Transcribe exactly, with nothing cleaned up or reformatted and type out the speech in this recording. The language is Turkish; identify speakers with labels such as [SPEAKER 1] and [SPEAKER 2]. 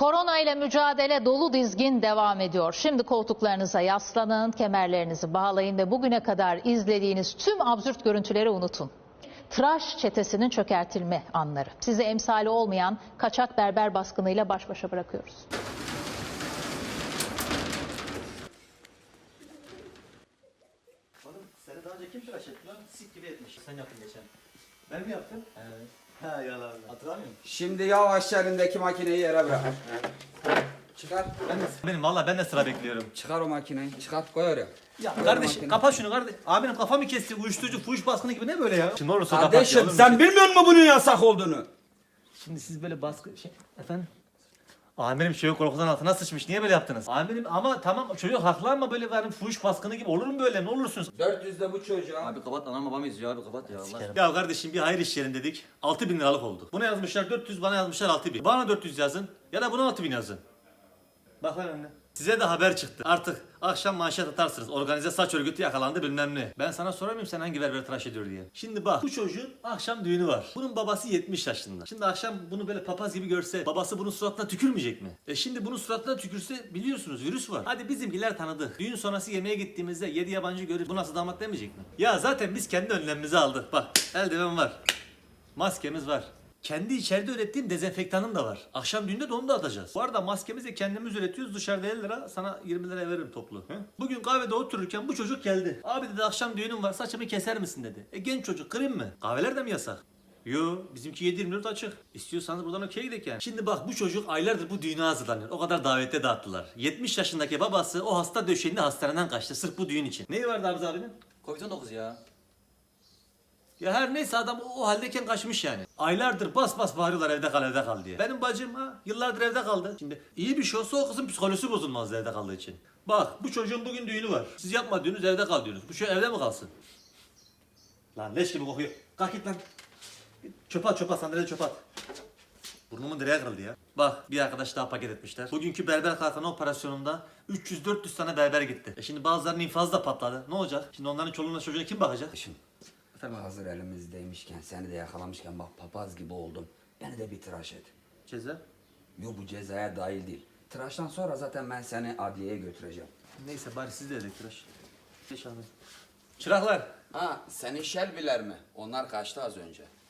[SPEAKER 1] Korona ile mücadele dolu dizgin devam ediyor. Şimdi koltuklarınıza yaslanın, kemerlerinizi bağlayın ve bugüne kadar izlediğiniz tüm absürt görüntüleri unutun. Tıraş çetesinin çökertilme anları. Size emsali olmayan kaçak berber baskınıyla baş başa bırakıyoruz.
[SPEAKER 2] Oğlum seni daha önce kim tıraş etti lan? Sik gibi etmiş. Sen yaptın geçen. Ben mi yaptım? Evet. Ha yalan. Hatırlamıyor musun?
[SPEAKER 3] Şimdi yavaş elindeki makineyi yere bırak. Çıkar.
[SPEAKER 2] Ben de, benim valla ben de sıra bekliyorum.
[SPEAKER 3] Çıkar o makineyi. Çıkart koy oraya.
[SPEAKER 2] Ya
[SPEAKER 3] Koy
[SPEAKER 2] kardeş
[SPEAKER 3] makineyi.
[SPEAKER 2] kapat şunu kardeş. Abinin kafamı kesti. Uyuşturucu, fuhuş baskını gibi ne böyle ya? Şimdi olursa
[SPEAKER 3] Kardeşim
[SPEAKER 2] kapat ya,
[SPEAKER 3] sen
[SPEAKER 2] olur mu?
[SPEAKER 3] bilmiyor musun bunun yasak olduğunu?
[SPEAKER 2] Şimdi siz böyle baskı şey efendim. Amirim çocuk korkudan altına sıçmış. Niye böyle yaptınız? Amirim ama tamam çocuk haklı ama böyle yani fuhuş baskını gibi olur mu böyle? Ne olursunuz?
[SPEAKER 3] dört yüzde bu çocuğa.
[SPEAKER 4] Abi kapat, anam babam izliyor abi, kapat ya Allah aşkına.
[SPEAKER 2] Ya kardeşim bir hayır iş yerin dedik. altı bin liralık oldu. Buna yazmışlar dört yüz, bana yazmışlar altı bin. Bana dört yüz yazın ya da buna altı bin yazın. Bak lan önüne. Size de haber çıktı. Artık akşam manşet atarsınız. Organize saç örgütü yakalandı bilmem ne. Ben sana sorar mıyım sen hangi berber tıraş ediyor diye. Şimdi bak bu çocuğun akşam düğünü var. Bunun babası yetmiş yaşında. Şimdi akşam bunu böyle papaz gibi görse babası bunun suratına tükürmeyecek mi? E şimdi bunun suratına tükürse biliyorsunuz virüs var. Hadi bizimkiler tanıdı. Düğün sonrası yemeğe gittiğimizde yedi yabancı görüp bu nasıl damat demeyecek mi? Ya zaten biz kendi önlemimizi aldık. Bak eldiven var. Maskemiz var. Kendi içeride ürettiğim dezenfektanım da var. Akşam düğünde de onu da atacağız. Bu arada maskemizi kendimiz üretiyoruz. Dışarıda elli lira, sana yirmi lira veririm toplu. He? Bugün kahvede otururken bu çocuk geldi. Abi dedi akşam düğünüm var, saçımı keser misin dedi. E genç çocuk, kırayım mı? Kahveler de mi yasak? Yo, bizimki yedi yirmi dört açık. İstiyorsanız buradan okey gidelim yani. Şimdi bak bu çocuk aylardır bu düğüne hazırlanıyor. O kadar davette dağıttılar. yetmiş yaşındaki babası o hasta döşeğinde hastaneden kaçtı sırf bu düğün için. Neyi vardı Arzu abinin?
[SPEAKER 4] Covid on dokuz ya.
[SPEAKER 2] Ya her neyse adam o, o haldeyken kaçmış yani. Aylardır bas bas bağırıyorlar evde kal evde kal diye. Benim bacım ha yıllardır evde kaldı. Şimdi iyi bir şey olsa o kızın psikolojisi bozulmaz evde kaldığı için. Bak bu çocuğun bugün düğünü var. Siz yapma diyorsunuz evde kal diyorsunuz. Bu şey evde mi kalsın? Lan leş gibi kokuyor. Kalk git lan. Git, çöpe at çöpe at sandalye çöpe at. Burnumun direğe kırıldı ya. Bak bir arkadaş daha paket etmişler. Bugünkü berber kalkanı operasyonunda üç yüz dört yüz tane berber gitti. E şimdi bazılarının infazı da patladı. Ne olacak? Şimdi onların çoluğuna çocuğuna kim bakacak?
[SPEAKER 3] Şimdi hazır elimizdeymişken seni de yakalamışken bak papaz gibi oldum. Beni de bir tıraş et.
[SPEAKER 2] Ceza.
[SPEAKER 3] Yok bu cezaya dahil değil. Tıraştan sonra zaten ben seni adliyeye götüreceğim.
[SPEAKER 2] Neyse bari siz de edin tıraş. Geç abi. Çıraklar.
[SPEAKER 3] Ha senin şelbiler mi? Onlar kaçtı az önce.